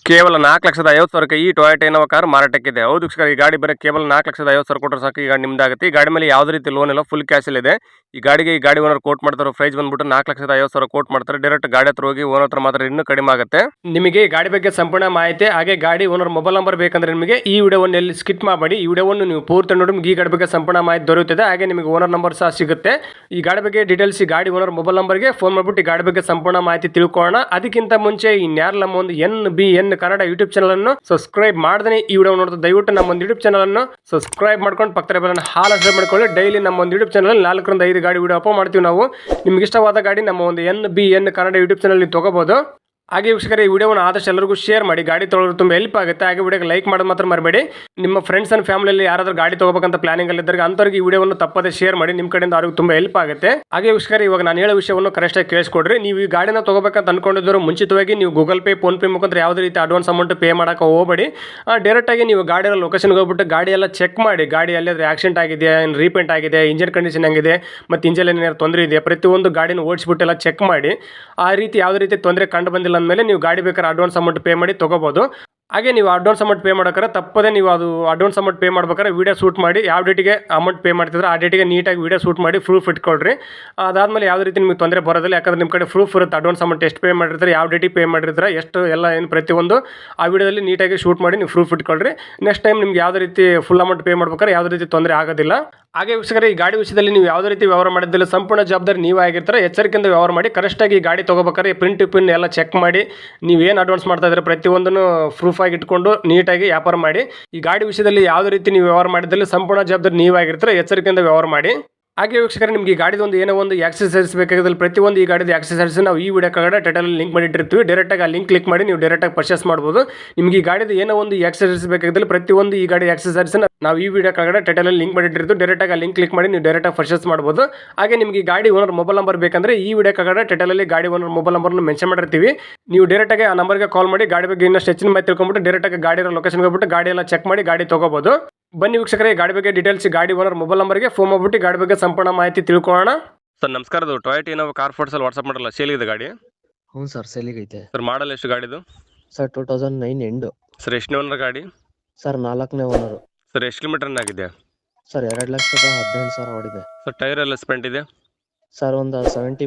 ಕೇವಲ 4,50,000 ಈ Toyota Innova car ಮಾರಾಟಕ್ಕಿದೆ. ಹೌದು ವೀಕ್ಷಕರೇ, ಈ ಗಾಡಿ ಬರೀ ಕೇವಲ 4,50,000 ಕೊಟ್ಟರೆ ಸಾಕು, ಈ ಗಾಡಿ ನಿಮ್ದಾಗುತ್ತೆ. ಈ ಗಾಡಿ ಮೇಲೆ ಯಾವುದೇ ರೀತಿ ಲೋನ್ ಇಲ್ಲ, ಫುಲ್ ಕ್ಯಾಶ್ ಇದೆ. ಈ ಗಾಡಿ ಓನರ್ ಕೋಟ್ ಮಾಡ್ತಾರೆ ಪ್ರೈಸ್ ಬಂದ್ಬಿಟ್ಟು 4,50,000 ಕೋಟ್ ಮಾಡ್ತಾರೆ. ಡೈರೆಕ್ಟ್ ಗಾಡಿ ಹತ್ರ ಹೋಗಿ ಓನರ್ ಹತ್ರ ಮಾತ್ರ ಇನ್ನೂ ಕಡಿಮೆ ಆಗುತ್ತೆ. ನಿಮಗೆ ಈ ಗಾಡಿ ಬಗ್ಗೆ ಸಂಪೂರ್ಣ ಮಾಹಿತಿ ಹಾಗೆ ಗಾಡಿ ಓನರ್ ಮೊಬೈಲ್ ನಂಬರ್ ಬೇಕಂದ್ರೆ ನಿಮಗೆ ಈ ವಿಡಿಯೋವನ್ನು ಎಲ್ಲಿ ಸ್ಕಿಪ್ ಮಾಡಬೇಡಿ. ಈ ವಿಡಿಯೋವನ್ನು ನೀವು ಪೂರ್ತಿ ನೋಡಿ ನಿಮಗೆ ಈ ಗಾಡಿ ಬಗ್ಗೆ ಸಂಪೂರ್ಣ ಮಾಹಿತಿ ದೊರೆಯುತ್ತದೆ. ಹಾಗೆ ನಿಮಗೆ ಓನರ್ ನಂಬರ್ ಸಹ ಸಿಗುತ್ತೆ. ಈ ಗಾಡಿ ಬಗ್ಗೆ ಡೀಟೇಲ್ಸ್ ಈ ಗಾಡಿ ಓನರ್ ಮೊಬೈಲ್ ನಂಬರ್ಗೆ ಫೋನ್ ಮಾಡಿಬಿಟ್ಟು ಈ ಗಾಡಿ ಬಗ್ಗೆ ಸಂಪೂರ್ಣ ಮಾಹಿತಿ ತಿಳ್ಕೊಳ್ಳೋಣ. ಅದಕ್ಕಿಂತ ಮುಂಚೆ ಇನ್ಯಾರು ನಮ್ಮ ಒಂದು NBN ಕನ್ನಡ ಯೂಟ್ಯೂಬ್ ಚಾನಲ್ ಅನ್ನು ಸಬ್ಸ್ಕ್ರೈಬ್ ಮಾಡದೇ ಈ ವಿಡಿಯೋ ನೋಡಿದ್ರೆ ದಯವಿಟ್ಟು ನಮ್ಮ ಒಂದು ಯೂಟ್ಯೂಬ್ ಚಾನಲ್ ಅನ್ನು ಸಬ್ಸ್ಕ್ರೈಬ್ ಮಾಡ್ಕೊಂಡು ಪಕ್ಕದ ಬೆಲ್ ಅನ್ನು ಹಾಲ್ ಮಾಡ್ಕೊಳ್ಳಿ. ಡೈಲಿ ನಮ್ಮ ಒಂದು ಯೂಟ್ಯೂಬ್ ಚಾನಲ್ 4 ರಿಂದ 5 ಗಾಡಿ ವಿಡಿಯೋ ಅಪ್ಲೋಡ್ ಮಾಡ್ತೀವಿ ನಾವು. ನಿಮ್ಗೆ ಇಷ್ಟವಾದ ಗಾಡಿ ನಮ್ಮ ಒಂದು NBN ಕನ್ನಡ ಯೂಟ್ಯೂಬ್ ಚಾನಲ್ ನೀವು ತಗೋಬಹುದು. ಹಾಗೆ ವೀಕ್ಷಕರೇ, ಈ ವಿಡಿಯೋವನ್ನು ಆದಷ್ಟು ಎಲ್ಲರಿಗೂ ಶೇರ್ ಮಾಡಿ. ಗಾಡಿ ತೊಗೊಳ್ಳೋದು ತುಂಬ ಹೆಲ್ಪ್ ಆಗುತ್ತೆ. ಹಾಗೆ ವಿಡಿಯೋಗೆ ಲೈಕ್ ಮಾಡೋದು ಮಾತ್ರ ಮರಬೇಡಿ. ನಿಮ್ಮ ಫ್ರೆಂಡ್ಸ್ ಅಂಡ್ ಫ್ಯಾಮಿಲಿಯಲ್ಲಿ ಯಾರಾದರೂ ಗಾಡಿ ತಗೋಬೇಕಂತ ಪ್ಲಾನಿಂಗ್ ಅಲ್ಲಿ ಇದ್ದರೆ ಅಂಥವ್ರಿಗೆ ಈ ವಿಡಿಯೋವನ್ನು ತಪ್ಪದೆ ಶೇರ್ ಮಾಡಿ. ನಿಮ್ಮ ಕಡೆಯಿಂದ ಅವ್ರಿಗೆ ತುಂಬ ಹೆಲ್ಪ್ ಆಗುತ್ತೆ. ಹಾಗೆ ವೀಕ್ಷಕರೇ, ಇವಾಗ ನಾನು ಹೇಳೋ ವಿಷಯವನ್ನು ಕರೆಕ್ಟಾಗಿ ಕೇಳಿಸ್ಕೊಡ್ರಿ. ನೀವು ಈ ಗಾಡಿನ ತಗೋಬೇಕಂತ ಅನ್ಕೊಂಡಿದ್ರು ಮುಂಚಿತವಾಗಿ ನೀವು ಗೂಗಲ್ ಪೇ, ಫೋನ್ ಪೇ ಮುಖಾಂತರ ಯಾವುದೇ ರೀತಿ ಅಡ್ವಾನ್ಸ್ ಅಮೌಂಟ್ ಪೇ ಮಾಡೋಕೆ ಹೋಗಬೇಡಿ. ಡೈರೆಕ್ಟಾಗಿ ನೀವು ಗಾಡಿಯ ಲೊಕೇಶನ್ಗೆ ಹೋಗ್ಬಿಟ್ಟು ಗಾಡಿ ಎಲ್ಲ ಚೆಕ್ ಮಾಡಿ. ಗಾಡಿ ಎಲ್ಲಿಯಾದ್ರೆ ಆಕ್ಸಿಡೆಂಟ್ ಆಗಿದೆ, ರೀಪೇಂಟ್ ಆಗಿದೆ, ಇಂಜಿನ್ ಕಂಡೀಷನ್ ಹೆಂಗಿದೆ, ಮತ್ತು ಇಂಜಿನ್ ಏನಾದ್ರು ತೊಂದರೆ ಇದೆ, ಪ್ರತಿಯೊಂದು ಗಾಡಿನ ಓಡಿಸ್ಬಿಟ್ಟು ಎಲ್ಲ ಚೆಕ್ ಮಾಡಿ. ಆ ರೀತಿ ಯಾವುದೇ ರೀತಿ ತೊಂದರೆ ಕಂಡು ಬಂದಿಲ್ಲ ಅಂದಮೇಲೆ ನೀವು ಗಾಡಿ ಅಡ್ವಾನ್ಸ್ ಅಮೌಂಟ್ ಪೇ ಮಾಡಿ ತಗೋಬಹುದು. ಹಾಗೆ ನೀವು ಅಡ್ವಾನ್ಸ್ ಅಮೌಂಟ್ ಪೇ ಮಾಡೋಕ್ರೆ ತಪ್ಪದೆ ನೀವು ಅದು ಅಡ್ವಾನ್ಸ್ ಅಮೌಂಟ್ ಪೇ ಮಾಡ್ಬೇಕಾದ್ರೆ ವಿಡಿಯೋ ಶೂಟ್ ಮಾಡಿ. ಯಾವ ಡೇಟಿಗೆ ಅಮೌಂಟ್ ಪೇ ಮಾಡ್ತಿದ್ರೆ ಆ ಡೇಟಿಗೆ ನೀಟಾಗಿ ವಿಡಿಯೋ ಶೂಟ್ ಮಾಡಿ ಪ್ರೂಫ್ ಇಟ್ಕೊಳ್ರಿ. ಅದಾದಮೇಲೆ ಯಾವುದೇ ರೀತಿ ನಿಮಗೆ ತೊಂದರೆ ಬರೋದಿಲ್ಲ. ಯಾಕಂದ್ರೆ ನಿಮ್ಮ ಕಡೆ ಪ್ರೂಫ್ ಇರುತ್ತೆ. ಅಡ್ವಾನ್ಸ್ ಅಮೌಂಟ್ ಎಷ್ಟು ಪೇ ಮಾಡಿರ್ತಾರೆ, ಯಾವ ಡೇಟಿಗೆ ಪೇ ಮಾಡಿರ್ತಾರೆ, ಎಷ್ಟು ಎಲ್ಲ ಏನು ಪ್ರತಿಯೊಂದು ಆ ವಿಡಿಯೋದಲ್ಲಿ ನೀಟಾಗಿ ಶೂಟ್ ಮಾಡಿ ನೀವು ಪ್ರೂಫ್ ಇಟ್ಕೊಳ್ರಿ. ನೆಕ್ಸ್ಟ್ ಟೈಮ್ ನಿಮ್ಗೆ ಯಾವುದೇ ರೀತಿ ಫುಲ್ ಅಮೌಂಟ್ ಪೇ ಮಾಡ್ಬೇಕಾದ್ರೆ ಯಾವುದೇ ರೀತಿ ತೊಂದರೆ ಆಗೋದಿಲ್ಲ. ಹಾಗೆ ವೀಕ್ಷಕರೇ, ಈ ಗಾಡಿ ವಿಷಯದಲ್ಲಿ ನೀವು ಯಾವುದೇ ರೀತಿ ವ್ಯವಹಾರ ಮಾಡಿದ್ದಿಲ್ಲ, ಸಂಪೂರ್ಣ ಜವಾಬ್ದಾರಿ ನೀವೇ ಆಗಿರ್ತಾರೆ. ಎಚ್ಚರಿಕೆಯಿಂದ ವ್ಯವಹಾರ ಮಾಡಿ. ಕರೆಕ್ಟಾಗಿ ಈ ಗಾಡಿ ತೊಗೋಬೇಕಾದ್ರೆ ಪ್ರಿಂಟ್ ಪಿನ್ ಎಲ್ಲ ಚೆಕ್ ಮಾಡಿ. ನೀವೇನು ಅಡ್ವಾನ್ಸ್ ಮಾಡ್ತಾ ಇದ್ರೆ ಪ್ರತಿಯೊಂದನ್ನು ಪ್ರೂಫ್ ಆಗಿ ಇಟ್ಕೊಂಡು ನೀಟಾಗಿ ವ್ಯಾಪಾರ ಮಾಡಿ. ಈ ಗಾಡಿ ವಿಷಯದಲ್ಲಿ ಯಾವುದೇ ರೀತಿ ನೀವು ವ್ಯವಹಾರ ಮಾಡಿದ್ದಲ್ಲಿ ಸಂಪೂರ್ಣ ಜವಾಬ್ದಾರಿ ನೀವೇ ಆಗಿರ್ತಾರೆ. ಎಚ್ಚರಿಕೆಯಿಂದ ವ್ಯವಹಾರ ಮಾಡಿ. ಹಾಗೆ ವೀಕ್ಷಕರೇ, ನಿಮಗೆ ಈ ಗಾಡಿದು ಒಂದು ಏನೋ ಒಂದು ಆಕ್ಸೆಸರೀಸ್ ಬೇಕಾಗಿದ್ದಲ್ಲಿ ಪ್ರತಿಯೊಂದು ಈ ಗಾಡಿದ ಆಕ್ಸೆಸರೀಸ್ ನಾವು ಈ ವಿಡಿಯೋ ಕೆಳಗಡೆ ಟೈಟಲ್ ಲಿಂಕ್ ಮಾಡಿಟ್ಟಿರ್ತೀವಿ. ಡೈರೆಕ್ಟಾಗಿ ಆ ಲಿಂಕ್ ಕ್ಲಿಕ್ ಮಾಡಿ ನೀವು ಡೈರೆಕ್ಟಾಗಿ ಪರ್ಚೇಸ್ ಮಾಡ್ಬೋದು. ನಿಮಗೆ ಈ ಗಾಡಿದ ಏನೋ ಒಂದು ಆಕ್ಸೆಸರೀಸ್ ಬೇಕಾಗಿದ್ದಲ್ಲಿ ಪ್ರತಿಯೊಂದು ಈ ಗಾಡಿ ಆಕ್ಸೆಸರೀಸ್ ನಾವು ಈ ವಿಡಿಯೋ ಕೆಳಗಡೆ ಟೈಟಲ್ ಲಿಂಕ್ ಮಾಡಿಟ್ಟಿರ್ತೀವಿ. ಡೈರೆಕ್ಟಾಗಿ ಆ ಲಿಂಕ್ ಕ್ಲಿಕ್ ಮಾಡಿ ನೀವು ಡೈರೆಕ್ಟಾಗಿ ಪರ್ಚೇಸ್ ಮಾಡ್ಬೋದು. ಹಾಗೆ ನಿಮಗೆ ಈ ಗಾಡಿ ಓನರ್ ಮೊಬೈಲ್ ನಂಬರ್ ಬೇಕಂದ್ರೆ ಈ ವಿಡಿಯೋ ಕೆಳಗಡೆ ಟೈಟಲಲ್ಲಿ ಗಾಡಿ ಓನರ್ ಮೊಬೈಲ್ ನಂಬರ್ನ ಮೆನ್ಷನ್ ಮಾಡಿರ್ತೀವಿ. ನೀವು ಡೈರೆಕ್ಟಾಗಿ ಆ ನಂಬರ್ಗೆ ಕಾಲ್ ಮಾಡಿ ಗಾಡಿ ಬಗ್ಗೆ ಇನ್ನಷ್ಟು ಹೆಚ್ಚಿನ ಮಾಹಿತಿ ತಿಳ್ಕೊಂಡ್ಬಿಟ್ಟು ಡೈರೆಕ್ಟಾಗಿ ಗಾಡಿ ಲೊಕೇಶನ್ಗೆ ಹೋಗ್ಬಿಟ್ಟು ಗಾಡಿ ಎಲ್ಲ ಚೆಕ್ ಮಾಡಿ ಗಾಡಿ ತಗೋಬಹುದು. ಬನ್ನಿ ವೀಕ್ಷಕರೇ, ಗಾಡಿ ಬಗ್ಗೆ ಡೀಟೇಲ್ಸ್ ಗಾಡಿ ಓನರ್ ಮೊಬೈಲ್ ನಂಬರ್ಗೆ ಫೋನ್ ಮಾಡ್ಬಿಟ್ಟು ಗಾಡಿ ಬಗ್ಗೆ ಸಂಪೂರ್ಣ ಮಾಹಿತಿ ತಿಳ್ಕೊಳ್ಳೋಣ. ಸರ್ ನಮಸ್ಕಾರ, ಅದು ಟೊಯೋಟಾ ಇನೋವಾ ಕಾರ್ ಫೋಟೋಸಲ್ಲಿ ವಾಟ್ಸಪ್ ಮಾಡಲ್ಲ, ಸೇಲಿಗಿದೆ ಗಾಡಿ? ಹ್ಞೂ ಸರ್, ಸೇಲಿಗೈತೆ. ಸರ್ ಮಾಡಲ್ ಎಷ್ಟು ಗಾಡಿದು? Sir 2009 end. ಸರ್ ಎಷ್ಟು ಓನರ್ ಗಾಡಿ? ಸರ್ 4ನೇ ಓನರು. ಸರ್ ಎಷ್ಟು ಕಿಲೋಮೀಟರ್ ಆಗಿದೆ? ಸರ್ 2,18,000 ಓಡಿದೆ. ಸರ್ ಟೈರ್ ಎಲ್ಲ ಸ್ಪೆಂಟ್ ಇದೆ? ಸರ್ ಒಂದು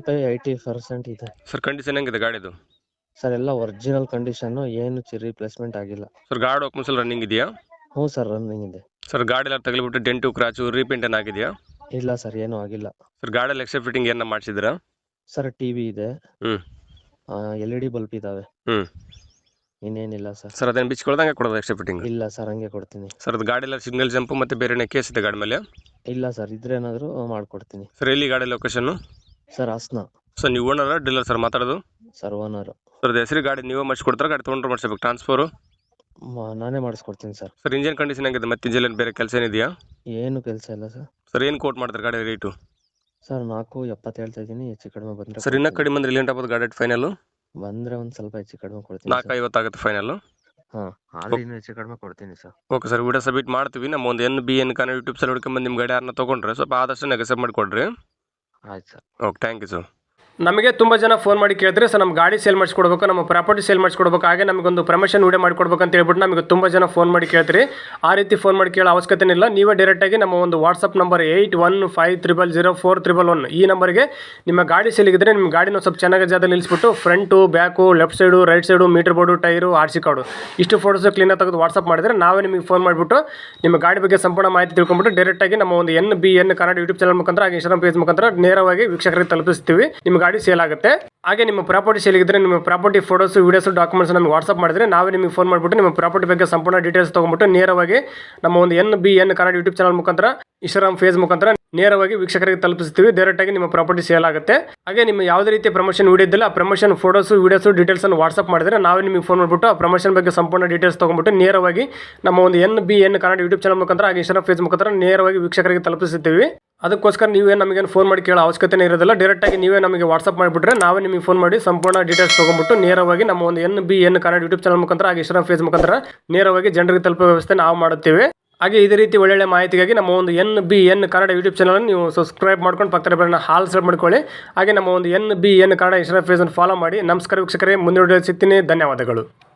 75-80% ಇದೆ. ಸರ್ ಕಂಡೀಷನ್ ಹೆಂಗಿದೆ ಗಾಡಿದು? ಸರ್ ಎಲ್ಲ ಒರಿಜಿನಲ್ ಕಂಡೀಷನ್ನು, ಏನು ರಿಪ್ಲೇಸ್ಮೆಂಟ್ ಆಗಿಲ್ಲ. ಸರ್ ಗಾಡಿ ಡಾಕ್ಯುಮೆಂಟ್ಸ್ ಎಲ್ಲ ರನ್ನಿಂಗ್ ಇದೆಯಾ? ಹ್ಞೂ ಸರ್, ರನ್ನಿಂಗ್ ಇದೆ. ಸರ್ ಗಾಡಿ ಎಲ್ಲ ತಗಲಿಬಿಟ್ಟು ಡೆಂಟು ಕ್ರಾಚು ರೀಪೇಂಟ್ ಏನಾಗಿದೆಯಾ? ಇಲ್ಲ ಸರ್, ಏನೂ ಆಗಿಲ್ಲ. ಸರ್ ಗಾಡಿಯಲ್ಲಿ ಎಕ್ಸ್ಟ್ರಾ ಫಿಟ್ಟಿಂಗ್ ಏನ ಮಾಡಿಸಿದ್ರಾ? ಸರ್ ಟಿವಿ ಇದೆ, LED ಬಲ್ಬ್ ಇದಾವೆ, ಇನ್ನೇನಿಲ್ಲ ಸರ್. ಸರ್ ಅದೇನು ಬಿಚ್ಕೊಳ್ದಂಗೆ ಕೊಡೋದು ಎಕ್ಸ್ಟ್ರಾ ಫಿಟ್ಟಿಂಗ್? ಇಲ್ಲ ಸರ್, ಹಂಗೆ ಕೊಡ್ತೀನಿ. ಸರ್ ಅದು ಗಾಡಿ ಎಲ್ಲ ಸಿಗ್ನಲ್ ಜಂಪು ಮತ್ತೆ ಬೇರೆ ಕೇಸ್ ಇದೆ ಗಾಡಿ ಮೇಲೆ? ಇಲ್ಲ ಸರ್, ಇದ್ರೆ ಏನಾದರೂ ಮಾಡ್ಕೊಡ್ತೀನಿ. ಸರ್ ಎಲ್ಲಿ ಗಾಡಿ ಲೊಕೇಶನ್? ಸರ್ ಹಾಸನ. ಸರ್ ನೀವು ಓನರ್ ಡೀಲರ್ ಸರ್ ಮಾತಾಡೋದು? Sir owner. ಸರ್ ಹೆಸರು ಗಾಡಿ ನೀವೇ ಮಾಡಿಸ್ಕೊಡ್ತಾರೆ, ಗಾಡಿ ತೊಗೊಂಡ್ರೆ ಮಾಡಿಸ್ಬೇಕು ಟ್ರಾನ್ಸ್ಫರು? ನಾನೇ ಮಾಡಿಸ್ಕೊಡ್ತೀನಿ ಸರ್. ಸರ್ ಇಂಜಿನ್ ಕಂಡೀಷನ್ ಹೆಂಗಿದೆ, ಮತ್ತೆ ಇಂಜಿನ್ ಬೇರೆ ಕೆಲಸ ಏನಿದೆಯಾ? ಏನು ಕೆಲಸ ಇಲ್ಲ ಸರ್. ಸರ್ ಏನು ಕೋಟ್ ಮಾಡ್ತಾರೆ ಗಾಡಿ ರೇಟು? ಸರ್ 4,70 ಹೇಳ್ತಾ ಇದ್ದೀನಿ, ಹೆಚ್ಚು ಕಡಿಮೆ ಬಂದರೆ. ಸರ್ ಇನ್ನೂ ಕಡಿಮೆ ಅಂದ್ರೆ ಇಲ್ಲಿ ಗಾಡಿ ಫೈನಲ್ ಬಂದರೆ ಒಂದು ಸ್ವಲ್ಪ ಹೆಚ್ಚು ಕಡಿಮೆ ಕೊಡ್ತೀನಿ. 4,50 ಆಗುತ್ತೆ ಫೈನಲ್? ಹಾಂ, ಆದ್ರೆ ಇನ್ನೂ ಹೆಚ್ಚು ಕಡಿಮೆ ಕೊಡ್ತೀನಿ sir. Okay sir, video submit ಮಾಡ್ತೀವಿ. ನಮ್ಮ ಒಂದು NBN ಕನ್ನಡ ಯೂಟ್ಯೂಬ್ ಚಾನಲ್ ಹುಡ್ಕೊಂಬಂದು ನಿಮ್ಮ ಗಾಡಿ ಯಾರನ್ನ ತೊಗೊಂಡ್ರೆ ಸ್ವಲ್ಪ ಆದಷ್ಟು ನೆಗೆಸೆಪ್ಟ್ ಮಾಡಿಕೊಡ್ರಿ. ಆಯ್ತು sir. Okay, thank you sir. ನಮಗೆ ತುಂಬ ಜನ ಫೋನ್ ಮಾಡಿ ಕೇಳಿದ್ರೆ ಸರ್ ನಮ್ಮ ಗಾಡಿ ಸೇಲ್ ಮಾಡಿಸ್ಕೊಡ್ಬೇಕು, ನಮ್ಮ ಪ್ರಾಪರ್ಟಿ ಸೇಲ್ ಮಾಡಿಸ್ಕೊಡ್ಬೇಕು, ಹಾಗೆ ನಮಗೊಂದು ಪ್ರಮೋಷನ್ ವಿಡಿಯೋ ಮಾಡಿಕೊಡ್ಬೇಕು ಅಂತ ಹೇಳ್ಬಿಟ್ಟು ನಮಗೆ ತುಂಬ ಜನ ಫೋನ್ ಮಾಡಿ ಕೇಳ್ತೀರಿ. ಆ ರೀತಿ ಫೋನ್ ಮಾಡಿ ಕೇಳೋ ಅವಶ್ಯಕತೆ ಇಲ್ಲ. ನೀವೇ ಡೈರೆಕ್ಟಾಗಿ ನಮ್ಮ ಒಂದು ವಾಟ್ಸಪ್ ನಂಬರ್ 81500411 ಈ ನಂಬರ್ಗೆ ನಿಮ್ಮ ಗಾಡಿ ಸೇಲಿಗಿದ್ರೆ ನಿಮ್ಮ ಗಾಡಿನ ಸ್ವಲ್ಪ ಚೆನ್ನಾಗಿ ಜಾಗದಲ್ಲಿ ನಿಲ್ಲಿಸ್ಬಿಟ್ಟು front, back, left side, right side, meter board, tyre, RC card ಇಷ್ಟು ಫೋಟೋಸ್ ಕ್ಲೀನಾಗಿ ತೆಗೆದು ವಾಟ್ಸಪ್ ಮಾಡಿದರೆ ನಾವೇ ನಿಮಗೆ ಫೋನ್ ಮಾಡಿಬಿಟ್ಟು ನಿಮ್ಮ ಗಾಡಿ ಬಗ್ಗೆ ಸಂಪೂರ್ಣ ಮಾಹಿತಿ ತಿಳ್ಕೊಂಡ್ಬಿಟ್ಟು ಡೈರೆಕ್ಟಾಗಿ ನಮ್ಮ ಒಂದು NBN ಕನ್ನಡ ಯೂಟ್ಯೂಬ್ ಚಾನಲ್ ಮುಖಾಂತರ ಹಾಗೆ ಇನ್ಸ್ಟಾಗ್ರಾಮ್ ಪೇಜ್ ಮುಖಾಂತರ ನೇರವಾಗಿ ವೀಕ್ಷಕರಿಗೆ ತಲುಪಿಸ್ತೀವಿ. ನಿಮ್ಮ ಗಾಡಿ ಸೇಲ್ ಆಗುತ್ತೆ. ಹಾಗೆ ನಿಮ್ಮ ಪ್ರಾಪರ್ಟಿ ಸೇಲಿಗಿದ್ರೆ ನಿಮ್ಮ ಪ್ರಾಪರ್ಟಿ ಫೋಟೋಸ್, ವೀಡಿಯೋಸ್, ಡಾಕ್ಯುಮೆಂಟ್ಸ್ ನಮಗೆ ವಾಟ್ಸಪ್ ಮಾಡಿದ್ರೆ ನಾವೇ ನಿಮಗೆ ಫೋನ್ ಮಾಡಿಬಿಟ್ಟು ನಿಮ್ಮ ಪ್ರಾಪರ್ಟಿ ಬಗ್ಗೆ ಸಂಪೂರ್ಣ ಡೀಟೇಲ್ಸ್ ತೊಗೊಂಡ್ಬಿಟ್ಟು ನೇರವಾಗಿ ನಮ್ಮ ಒಂದು NBN ಕನ್ನಡ ಯೂಟ್ಯೂಬ್ ಚಾನಲ್ ಮುಖಾಂತರ ಇನ್ಸ್ಟಾಗ್ರಾಮ್ ಫೇಸ್ ಮುಖಾಂತರ ನೇರವಾಗಿ ವೀಕ್ಷಕರಿಗೆ ತಲುಪಿಸ್ತೀವಿ. ಡೈರೆಕ್ಟಾಗಿ ನಿಮ್ಮ ಪ್ರಾಪರ್ಟಿ ಸೇಲ್ ಆಗುತ್ತೆ. ಹಾಗೆ ನಿಮ್ಮ ಯಾವುದೇ ರೀತಿಯ ಪ್ರಮೋಷನ್ ವಿಡಿಯೋ ಇದ್ದಿಲ್ಲ ಆ ಪ್ರಮೋಷನ್ ಫೋಟೋಸ್, ವೀಡಿಯೋಸ್, ಡೀಟೇಲ್ಸ್ ಅನ್ನು ವಾಟ್ಸಪ್ ಮಾಡಿದ್ರೆ ನಾವೇ ನಿಮಗೆ ಫೋನ್ ಮಾಡಿಬಿಟ್ಟು ಆ ಪ್ರಮೋಷನ್ ಬಗ್ಗೆ ಸಂಪೂರ್ಣ ಡೀಟೇಲ್ಸ್ ತೊಗೊಂಡ್ಬಿಟ್ಟು ನೇರವಾಗಿ ನಮ್ಮ ಒಂದು NBN ಕನ್ನಡ ಯೂಟ್ಯೂಬ್ ಚಾನಲ್ ಮುಖಾಂತರ ಹಾಗೆ ಇನ್ಸ್ಟಾಗ್ರಾಮ್ ಫೇಸ್ ಮುಖಾಂತರ ನೇರವಾಗಿ ವೀಕ್ಷಕರಿಗೆ ತಲುಪಿಸುತ್ತೀವಿ. ಅದಕ್ಕೋಸ್ಕರ ನೀವೇ ನಮಗೇನು ಫೋನ್ ಮಾಡಿ ಕೇಳೋ ಅವಶ್ಯಕತೆ ಇರೋದಿಲ್ಲ. ಡೈರೆಕ್ಟಾಗಿ ನೀವೇ ನಮಗೆ ವಾಟ್ಸಪ್ ಮಾಡಿಬಿಟ್ರೆ ನಾವೇ ನಿಮಗೆ ಫೋನ್ ಮಾಡಿ ಸಂಪೂರ್ಣ ಡೀಟೇಲ್ಸ್ ತೊಗೊಂಡ್ಬಿಟ್ಟು ನೇರವಾಗಿ ನಮ್ಮ ಒಂದು NBN ಕನ್ನಡ ಯೂಟ್ಯೂಬ್ ಚಾನಲ್ ಮುಖಾಂತರ ಹಾಗೆ ಇನ್ಸ್ಟಾಗ್ರಾಮ್ ಫೇಸ್ ಮುಖಾಂತರ ನೇರವಾಗಿ ಜನರಿಗೆ ತಲುಪೋ ವ್ಯವಸ್ಥೆ ನಾವು ಮಾಡುತ್ತೇವೆ. ಹಾಗೆ ಇದೇ ರೀತಿ ಒಳ್ಳೆ ಮಾಹಿತಿಗಾಗಿ ನಮ್ಮ ಒಂದು NBN ಕನ್ನಡ ಯೂಟ್ಯೂಬ್ ಚಾನಲ್ ನೀವು ಸಬ್ಸ್ಕ್ರೈಬ್ ಮಾಡ್ಕೊಂಡು ಪಕ್ಕದ ಬೆಲ್ಲನ್ನ ಹಾಲ್ ಸೆಟ್ ಮಾಡ್ಕೊಳ್ಳಿ. ಹಾಗೆ ನಮ್ಮ ಒಂದು NBN ಕನ್ನಡ ಇನ್ಸ್ಟಾಗ್ರಾಮ್ ಪೇಜನ್ನು ಫಾಲೋ ಮಾಡಿ. ನಮಸ್ಕಾರ ವೀಕ್ಷಕರೇ, ಮುಂದಿನ ವಿಡಿಯೋ ಸಿಗ್ತೀನಿ. ಧನ್ಯವಾದಗಳು.